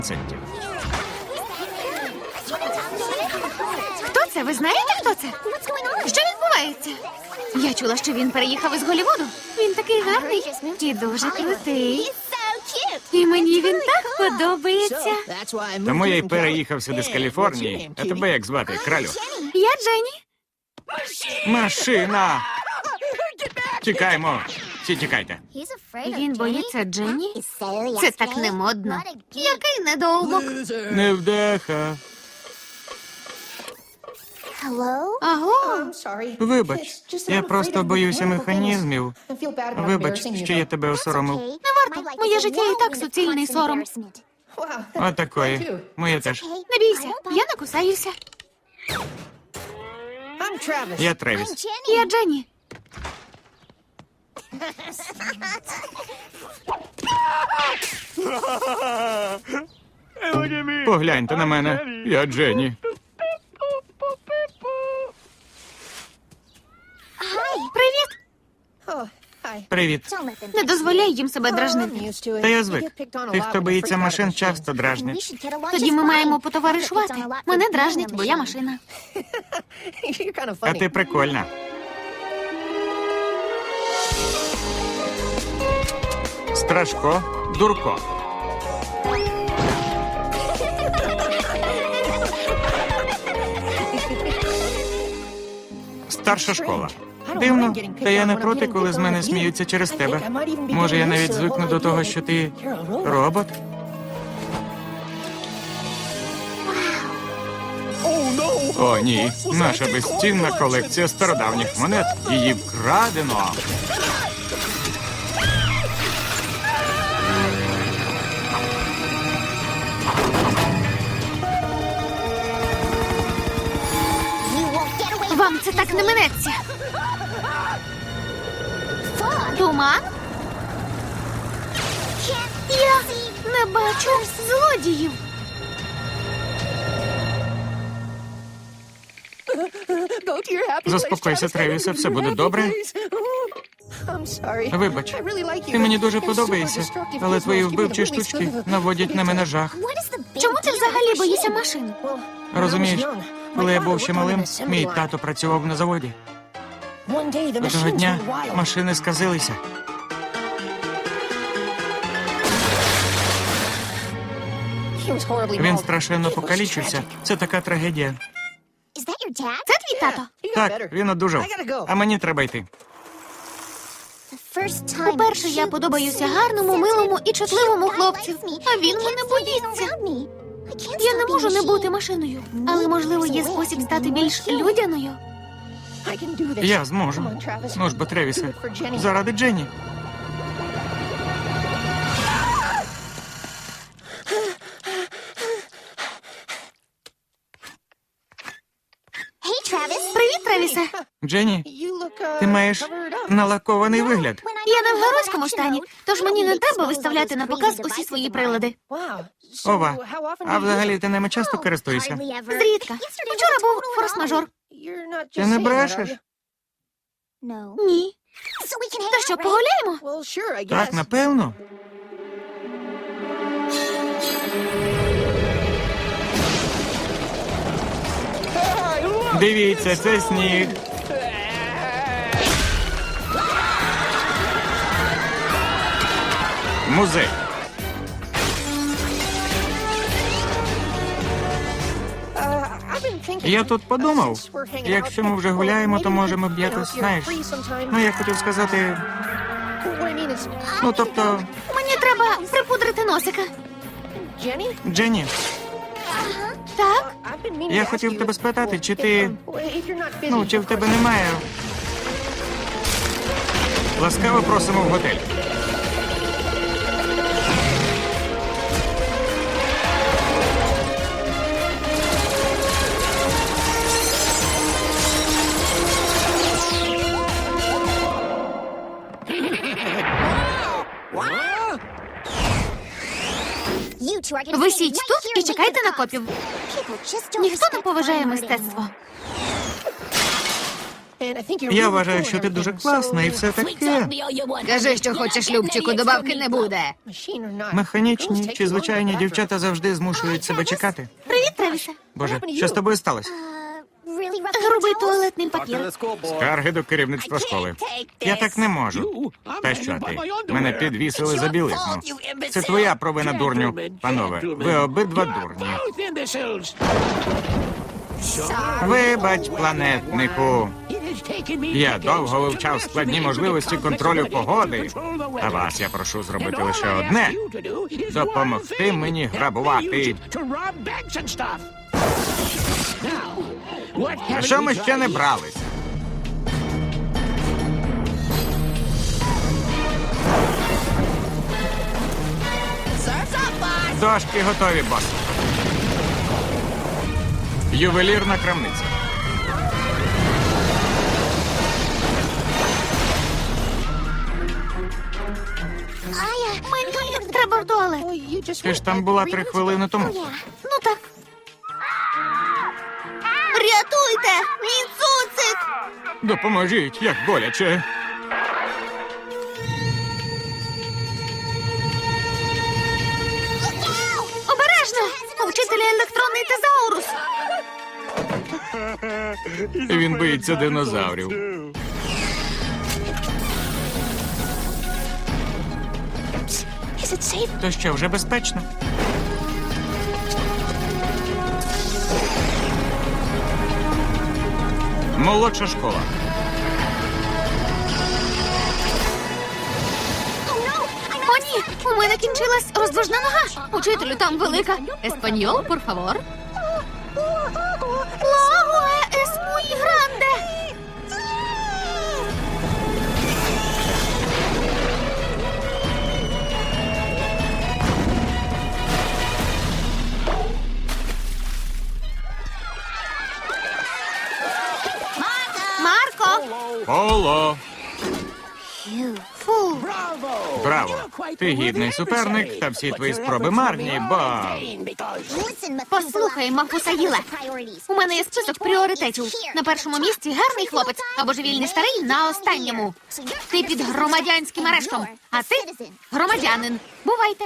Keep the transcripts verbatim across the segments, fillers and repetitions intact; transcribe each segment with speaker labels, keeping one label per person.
Speaker 1: центів.
Speaker 2: Хто це? Ви знаєте, хто це? Що відбувається? Я чула, що він переїхав із Голлівуду. Він такий гарний і дуже крутий. І мені він так подобається.
Speaker 1: Тому я й переїхав сюди з Каліфорнії. А тебе як звати, кралю?
Speaker 2: Я Дженні.
Speaker 1: Машина! Тікаємо! Всі тікайте.
Speaker 2: Він боїться Дженні? Це так не модно. Який недоумок.
Speaker 1: Невдаха.
Speaker 2: Аго.
Speaker 1: Вибач, я просто боюся механізмів. Вибач, що я тебе осоромив.
Speaker 2: Не варто. Моє життя і так суцільний сором.
Speaker 1: Отакої. Моє теж.
Speaker 2: Не бійся, я не кусаюся.
Speaker 1: Я Тревіс.
Speaker 2: Я Дженні.
Speaker 1: Погляньте на мене. Я Дженні.
Speaker 2: Привіт.
Speaker 1: Привіт.
Speaker 2: Не дозволяй їм себе дражнити.
Speaker 1: Та я звик. Тих, хто боїться машин, часто дражнять.
Speaker 2: Тоді ми маємо потоваришувати. Мене дражнить, бо я машина.
Speaker 1: А ти прикольна. Страшко, дурко. Старша школа. Дивно, та я не проти, коли з мене сміються через тебе. Може, я навіть звикну до того, що ти робот? О, ні. Наша безцінна колекція стародавніх монет. Її вкрадено.
Speaker 2: Вам це так не минеться. Туман? Я не бачу злодіїв.
Speaker 1: Заспокойся, Тревісе, все буде добре. Вибач, ти мені дуже подобаєшся, але твої вбивчі штучки наводять на мене жах.
Speaker 2: Чому ти взагалі боїшся машин?
Speaker 1: Розумієш, коли я був ще малим, мій тато працював на заводі. Одного дня машини сказилися. Він страшенно покалічився. Це така трагедія.
Speaker 2: Це твій тато?
Speaker 1: Так, він одужав. А мені треба йти.
Speaker 2: Уперше я подобаюся гарному, милому і чутливому хлопцю, а він мене боїться. Я не можу не бути машиною, але, можливо, є спосіб стати більш людяною.
Speaker 1: Я зможу. Ну ж бо, Тревісе, заради Дженні.
Speaker 2: Привіт, Тревісе.
Speaker 1: Дженні, ти маєш налакований вигляд.
Speaker 2: Я не в геройському стані, тож мені не треба виставляти на показ усі свої прилади.
Speaker 1: Ова, а взагалі ти ними часто користуєшся?
Speaker 2: Зрідка. Вчора був форс-мажор.
Speaker 1: Ти не брешеш?
Speaker 2: Ні. То що, погуляємо?
Speaker 1: Так, напевно. Дивіться, це сніг. Музей. Я тут подумав, якщо ми вже гуляємо, то можемо б якось, знаєш, ну я хотів сказати, ну тобто,
Speaker 2: Мені треба припудрити носика.
Speaker 1: Дженні,
Speaker 2: Так?
Speaker 1: я хотів тебе спитати, чи ти, ну, чи в тебе немає. Ласкаво просимо в готель.
Speaker 2: Висіть тут і чекайте на копів. Ніхто не поважає мистецтво.
Speaker 1: Я вважаю, що ти дуже класна і все таке.
Speaker 2: Кажи, що хочеш, Любчику, добавки не буде.
Speaker 1: Механічні чи звичайні дівчата завжди змушують себе чекати.
Speaker 2: Привіт, Тревісе.
Speaker 1: Боже, що з тобою сталося?
Speaker 2: Грубий туалетний папір.
Speaker 1: Скарги до керівництва школи. Я так не можу. Та що ти? Мене підвісили за білизну. Це твоя провина, дурню. Панове, ви обидва дурні. Вибач, планетнику. Я довго вивчав складні можливості контролю погоди. А вас я прошу зробити лише одне – допомогти мені грабувати. А що ми ще не бралися? Дошки готові, бос. Ювелірна крамниця.
Speaker 2: Мені треба в туалет.
Speaker 1: Ти ж там була три хвилини тому.
Speaker 2: Ну так. Рятуйте! Мій цуцик!
Speaker 1: Допоможіть, як боляче.
Speaker 2: Обережно! У вчителя електронний тезаурус.
Speaker 1: Він боїться динозаврів. То що, вже безпечно? Молодша школа.
Speaker 2: О, ні! У мене кінчилась роздвижна нога. Учителю, там велика. Еспаньол, por favor. Лагуа es muy grande. Марко!
Speaker 1: Поло.
Speaker 2: Фу.
Speaker 1: Браво. Ти гідний суперник, та всі твої спроби марні, бо...
Speaker 2: Послухай, Мафусаїле. У мене є список пріоритетів. На першому місці гарний хлопець, а божевільний старий на останньому. Ти під громадянським арештом, а ти громадянин. Бувайте.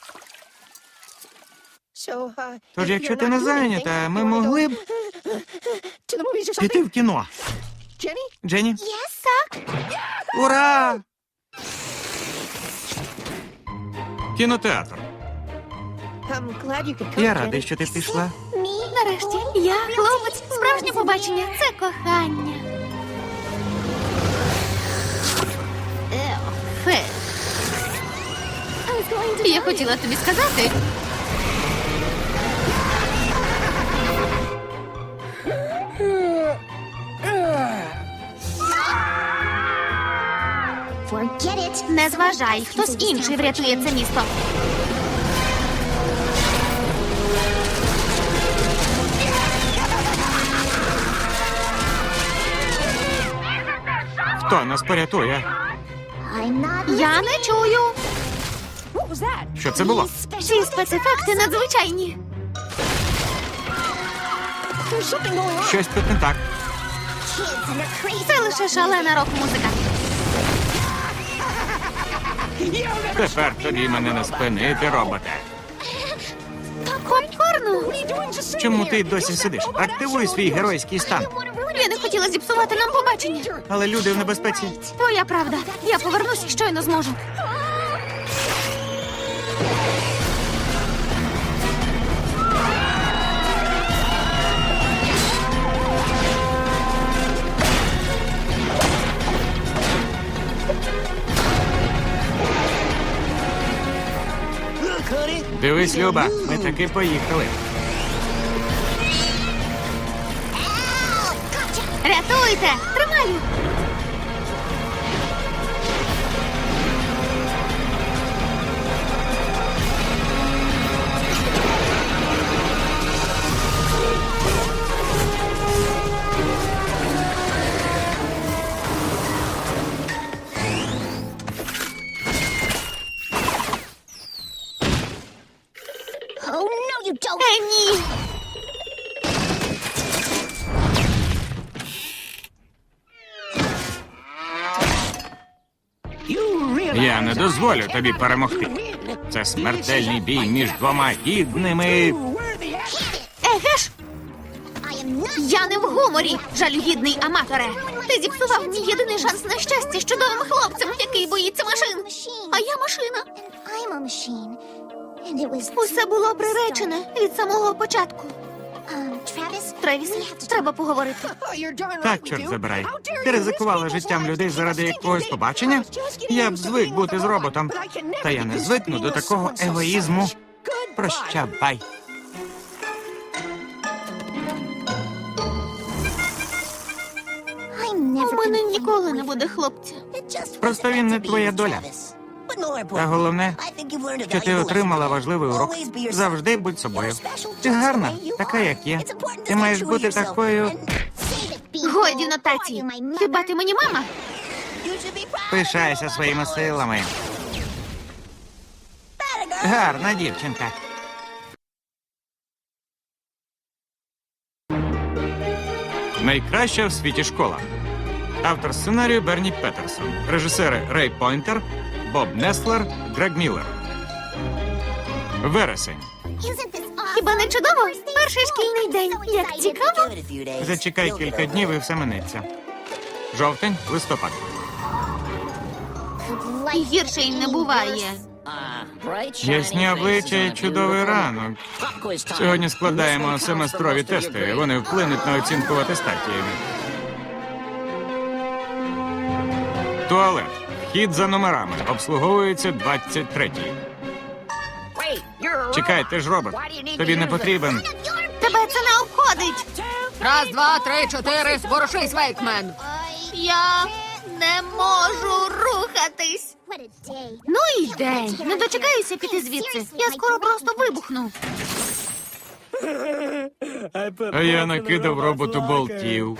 Speaker 1: Тож, якщо ти не зайнята, ми могли б піти в кіно. Дженні?
Speaker 2: Так.
Speaker 1: Ура! Кінотеатр. Я радий, що ти пішла.
Speaker 2: Нарешті, я хлопець. Справжнє побачення – це кохання. Фе. Я хотіла тобі сказати. Не зважай, хтось інший врятує це місто.
Speaker 1: Хто нас порятує?
Speaker 2: Я не чую.
Speaker 1: Що це було?
Speaker 2: Ці спецефекти надзвичайні.
Speaker 1: Щось тут не так.
Speaker 2: Це лише шалена рок-музика.
Speaker 1: Тепер тобі мене не спинити, роботе.
Speaker 2: Попкорну.
Speaker 1: Чому ти досі сидиш? Активуй свій геройський стан.
Speaker 2: Я не хотіла зіпсувати нам побачення.
Speaker 1: Але люди в небезпеці.
Speaker 2: Твоя правда. Я повернусь і щойно зможу.
Speaker 1: Дивись, Люба, ми таки поїхали.
Speaker 2: Рятуйте! Тримаю! Е, ні!
Speaker 1: дозволю тобі перемогти. Це смертельний бій між двома гідними.
Speaker 2: Еге ж! Я не в гуморі, жалюгідний аматоре. Ти зіпсував мій єдиний шанс на щастя з чудовим хлопцем, який боїться машин. А я машина. Усе було приречене від самого початку. Тревіс, треба поговорити.
Speaker 1: Так, чорт забирай. Ти ризикувала життям людей заради якогось побачення? Я б звик бути з роботом. Та я не звикну до такого егоїзму. Прощавай.
Speaker 2: У мене ніколи не буде хлопця.
Speaker 1: Просто він не твоя доля. Та головне, що ти отримала важливий урок. Завжди будь собою. Ти гарна, така, як є. Ти маєш бути такою.
Speaker 2: Годі нотації. Хіба ти мені мама?
Speaker 1: Пишайся своїми силами. Гарна дівчинка. Найкраща в світі школа. Автор сценарію Берні Петерсон. Режисери Рей Пойнтер, Боб Неслер, Грег Міллер. Вересень.
Speaker 2: Хіба не чудово? Перший шкільний день. Як цікаво.
Speaker 1: Зачекай кілька днів і все минеться. Жовтень, листопад.
Speaker 2: Гірше й не буває.
Speaker 1: Ясні обличчя і чудовий ранок. Сьогодні складаємо семестрові тести. Вони вплинуть на оцінку в атестаті. Туалет. Вхід за номерами. Обслуговується двадцять третій. Чекай, ти ж робот. Тобі не потрібен.
Speaker 2: Тебе це не обходить.
Speaker 3: Раз, два, три, чотири. Ворушись, Вейкмен.
Speaker 2: Я не можу рухатись. Ну і день. Не дочекаюся піти звідси. Я скоро просто вибухну.
Speaker 1: А я накидав роботу болтів.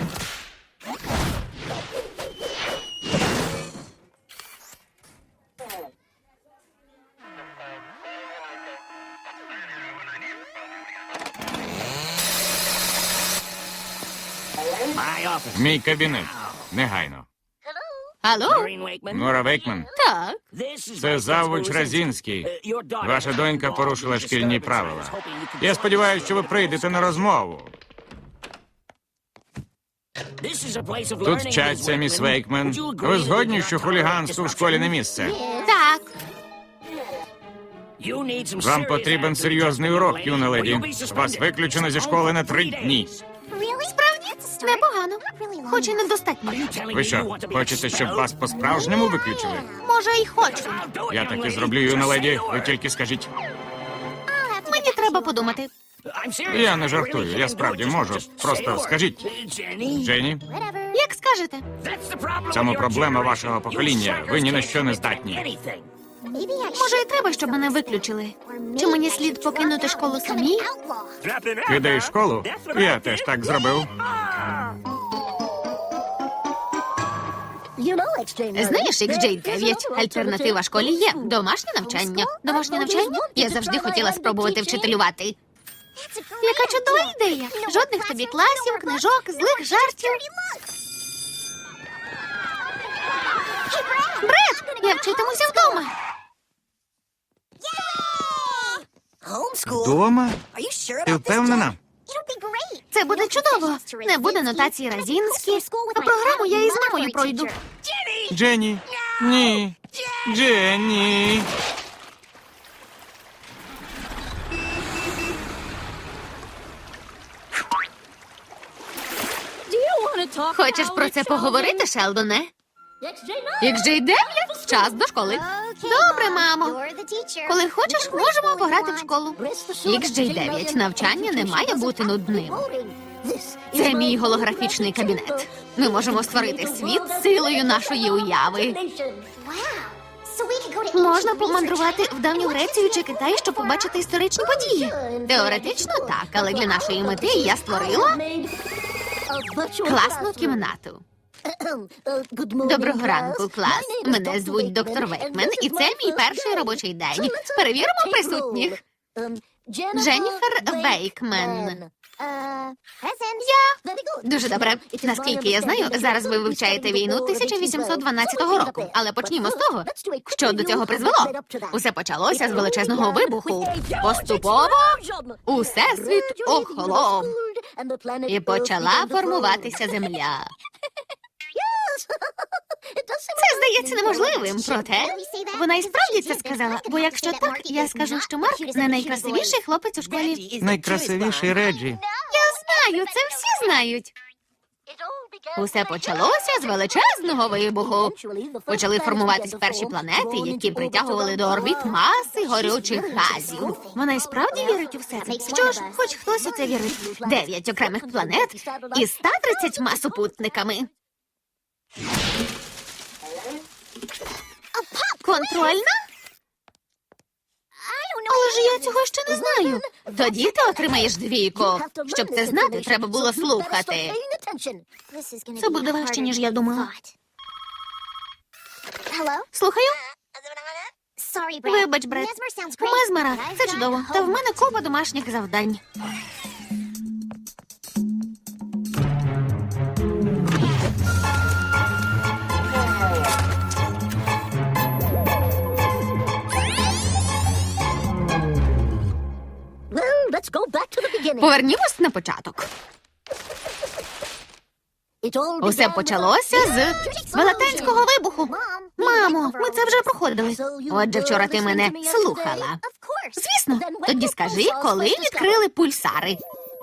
Speaker 1: Мій кабінет. Негайно.
Speaker 2: Алло?
Speaker 1: Нора Вейкман.
Speaker 2: Так.
Speaker 1: Це завуч Разінський. Ваша донька порушила шкільні правила. Я сподіваюся, що ви прийдете на розмову. Тут вчаться, міс Вейкман. Ви згодні, що хуліганству в школі не місце?
Speaker 2: Так.
Speaker 1: Вам потрібен серйозний урок, юна леді. Вас виключено зі школи на три дні.
Speaker 2: Справді? Непогано. Хоч і недостатньо.
Speaker 1: Ви що, хочете, щоб вас по-справжньому виключили?
Speaker 2: Може, й хочу.
Speaker 1: Я так і зроблю, юна леді. Ви тільки скажіть.
Speaker 2: Мені треба подумати.
Speaker 1: Я не жартую, я справді можу. Просто скажіть. Дженні,
Speaker 2: Як скажете.
Speaker 1: в цьому проблема вашого покоління. Ви ні на що не здатні.
Speaker 2: Може, і треба, щоб мене виключили. Чи мені слід покинути школу самій?
Speaker 1: Кидаєш школу? Я теж так зробив.
Speaker 2: Знаєш, ікс джей дев'ять, альтернатива школі є. Домашнє навчання. Домашнє навчання? Я завжди хотіла спробувати вчителювати. Яка чудова ідея. Жодних тобі класів, книжок, злих жартів. Бред, я вчитимуся вдома.
Speaker 1: Дома? Ти впевнена?
Speaker 2: Це буде чудово. Не буде нотації Разінські. А програму я із мамою пройду.
Speaker 1: Дженні. Ні. Дженні.
Speaker 2: Хочеш про це поговорити, Шелдоне? ікс джей дев'ять? Час до школи. Добре, мамо. Коли хочеш, можемо пограти в школу. ікс джей дев'ять. Навчання не має бути нудним. Це мій голографічний кабінет. Ми можемо створити світ силою нашої уяви. Можна помандрувати в давню Грецію чи Китай, щоб побачити історичні події. Теоретично так, але для нашої мети я створила класну кімнату. Доброго ранку, клас. Мене звуть доктор Вейкмен, і це мій перший робочий день. Перевіримо присутніх. Дженніфер Вейкмен. Я. Дуже добре. Наскільки я знаю, зараз ви вивчаєте війну тисяча вісімсот дванадцятого року. Але почнімо з того, що до цього призвело. Усе почалося з величезного вибуху. Поступово усесвіт охолов. І почала формуватися земля. Це здається неможливим, проте вона і справді це сказала. Бо якщо так, я скажу, що Марк не найкрасивіший хлопець у школі.
Speaker 1: Найкрасивіший Реджі.
Speaker 2: Я знаю, це всі знають. Усе почалося з величезного вибуху. Почали формуватись перші планети, які притягували до орбіт маси горючих газів. Вона і справді вірить у все це. Що ж, хоч хтось у це вірить. Дев'ять окремих планет із ста тридцятьма супутниками. Контрольна? Але ж я цього ще не знаю. Тоді ти отримаєш двійку. Щоб це знати, треба було слухати. Це буде важче, ніж я думала. Слухаю? Вибач, Бред. Мезмера, це чудово. Та в мене купа домашніх завдань. Повернімось на початок. Усе почалося з велетенського вибуху. Мамо, ми це вже проходили. Отже, вчора ти мене слухала. Звісно, тоді скажи, коли відкрили пульсари.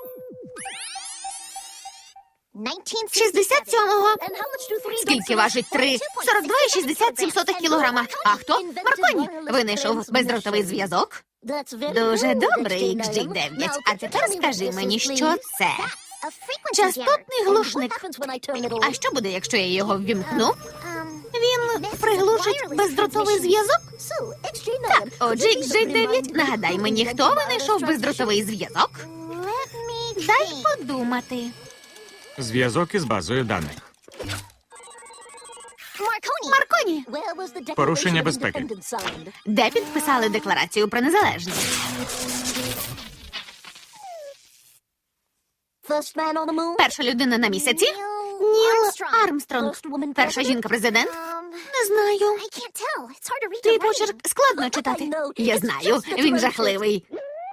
Speaker 2: шістдесят сьомого. Скільки важить три? сорок два і шістдесят сім сотих кілограма. А хто? Марконі. Винайшов бездротовий зв'язок. Дуже добре, ікс джі дев'ять. А тепер скажи мені, що це? Частотний глушник. А що буде, якщо я його ввімкну? Він приглушить бездротовий зв'язок? Так, отже, ікс джі дев'ять, нагадай мені, хто винайшов бездротовий зв'язок? Дай подумати.
Speaker 1: Зв'язок із базою даних.
Speaker 2: Марконі.
Speaker 1: Порушення безпеки.
Speaker 2: Де підписали декларацію про незалежність? Перша людина на місяці? Ніл Армстронг. Перша жінка-президент? Не знаю. Твій почерк складно читати. Я знаю, він жахливий.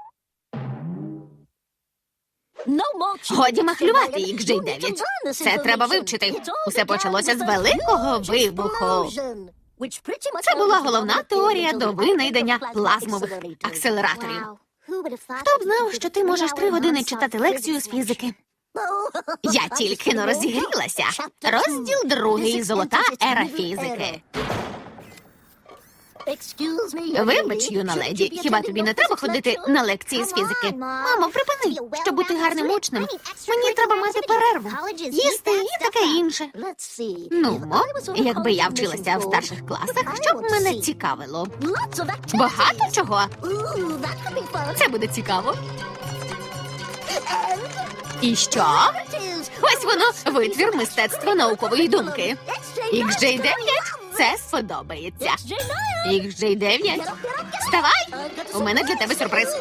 Speaker 2: Годі махлювати, ікс джі дев'ять. Це треба вивчити. Усе почалося з великого вибуху. Це була головна теорія до винайдення плазмових акселераторів. Хто б знав, що ти можеш три години читати лекцію з фізики? Я тільки но розігрілася. Розділ другий. Золота ера фізики. Вибач, юна леді, хіба тобі не треба ходити на лекції з фізики? Мамо, припини. Щоб бути гарним учнем, мені треба мати перерву, їсти і таке інше. Ну, якби я вчилася в старших класах, що б мене цікавило? Багато чого. Це буде цікаво. І що? Ось воно, витвір мистецтва наукової думки. ікс джі дев'ять, це сподобається. ікс джі дев'ять, вставай! У мене для тебе сюрприз.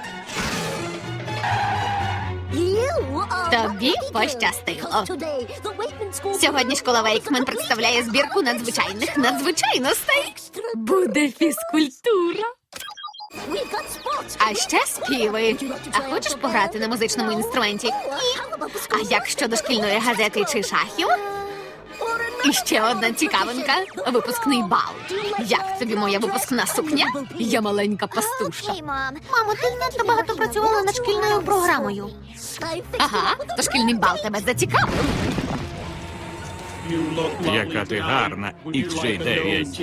Speaker 2: Тобі пощастило. Сьогодні школа Вейкмен представляє збірку надзвичайних надзвичайностей. Буде фізкультура. А ще співи. А хочеш пограти на музичному інструменті? Ні. А як щодо шкільної газети чи шахів? І ще одна цікавинка. Випускний бал. Як тобі моя випускна сукня? Я маленька пастушка. Мамо, ти надто багато працювала над шкільною програмою. Ага, то шкільний бал тебе зацікавив.
Speaker 1: Яка ти гарна, ікс джі дев'ять.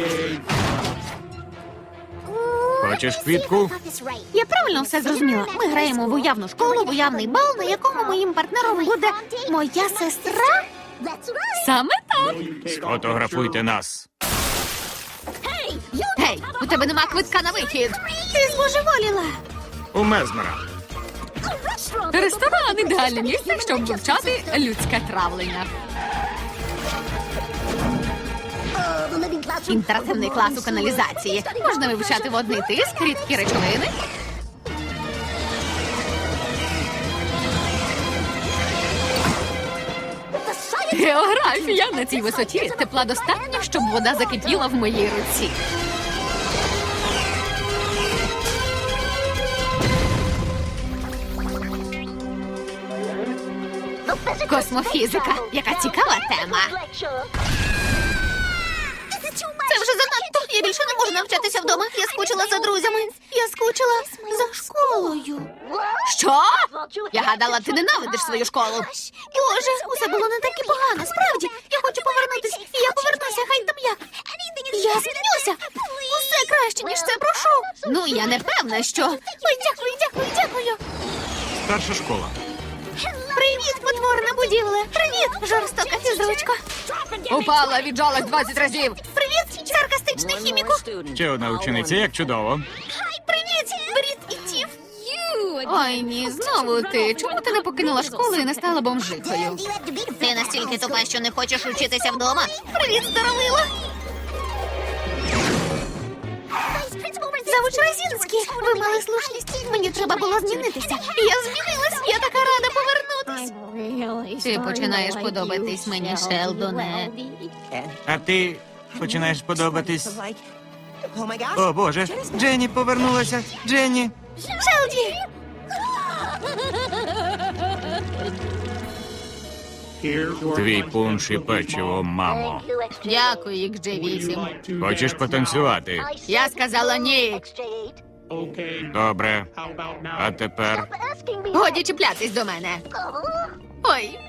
Speaker 1: Хочеш квітку?
Speaker 2: Я правильно все зрозуміла. Ми граємо в уявну школу, в уявний бал, на якому моїм партнером буде моя сестра. Саме так.
Speaker 1: Сфотографуйте нас.
Speaker 2: Гей, у тебе нема квитка на вихід. Ти збожеволіла.
Speaker 1: У Мезмера.
Speaker 3: Ресторан – ідеальне місце, щоб вивчати людське травлення.
Speaker 2: Інтерактивний клас у каналізації. Можна вивчати водний тиск, рідкі речовини.
Speaker 3: Географія на цій висоті тепла достатньо, щоб вода закипіла в моїй руці. Космофізика. Яка цікава тема.
Speaker 2: Це вже занадто. Я більше не можу навчатися вдома. Я скучила за друзями. Я скучила за школою.
Speaker 3: Що? Я гадала, ти ненавидиш свою школу.
Speaker 2: Боже, усе було не так і погано. Справді, я хочу повернутися. І я повернуся, хай там як. Я змінюся. Усе краще, ніж це, прошу.
Speaker 3: Ну, я не певна, що...
Speaker 2: Ой, дякую, дякую, дякую.
Speaker 1: Старша школа.
Speaker 2: Привіт, потворна будівля. Привіт, жорстока фізручко.
Speaker 3: Упала, віджалась двадцять разів.
Speaker 2: Привіт, саркастичний хіміку.
Speaker 1: Ще одна учениця, як чудово.
Speaker 2: Привіт, Брід і Тіф.
Speaker 3: Ой, ні, знову ти. Чому ти не покинула школу і не стала бомжихою?
Speaker 2: Ти настільки тупа, що не хочеш учитися вдома. Привіт, здоровила. Завуч Розінський, ви мали слушність. Мені треба було змінитися. Я змінилась, я така рада повернутись.
Speaker 3: Ти починаєш подобатись мені, Шелдоне.
Speaker 1: А ти починаєш подобатись. О, Боже, Дженні повернулася. Дженні.
Speaker 2: Шелді!
Speaker 1: Твій пунш і печиво, мамо.
Speaker 3: Дякую, ікс джей вісім.
Speaker 1: Хочеш потанцювати?
Speaker 3: Я сказала ні.
Speaker 1: Добре. А тепер
Speaker 3: Годі чіплятись до мене. Ой,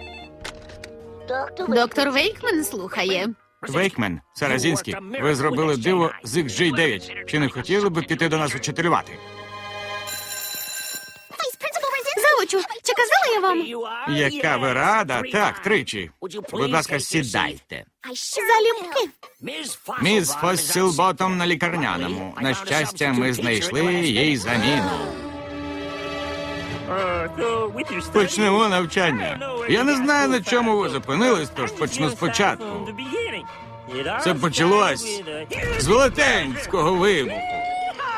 Speaker 3: доктор Вейкмен слухає.
Speaker 1: Вейкмен, Саразінський, ви зробили диво з ікс джей дев'ять. Чи не хотіли б піти до нас учителювати?
Speaker 2: Завучу, чи казала я вам?
Speaker 1: Яка ви рада? Так, тричі. Будь ласка, сідайте.
Speaker 2: Залюбки.
Speaker 1: Міс Фоссілботом на лікарняному. На щастя, ми знайшли їй заміну. Почнемо навчання. Я не знаю, на чому ви зупинились, тож почну спочатку. Це почалось з велетенського вибуху.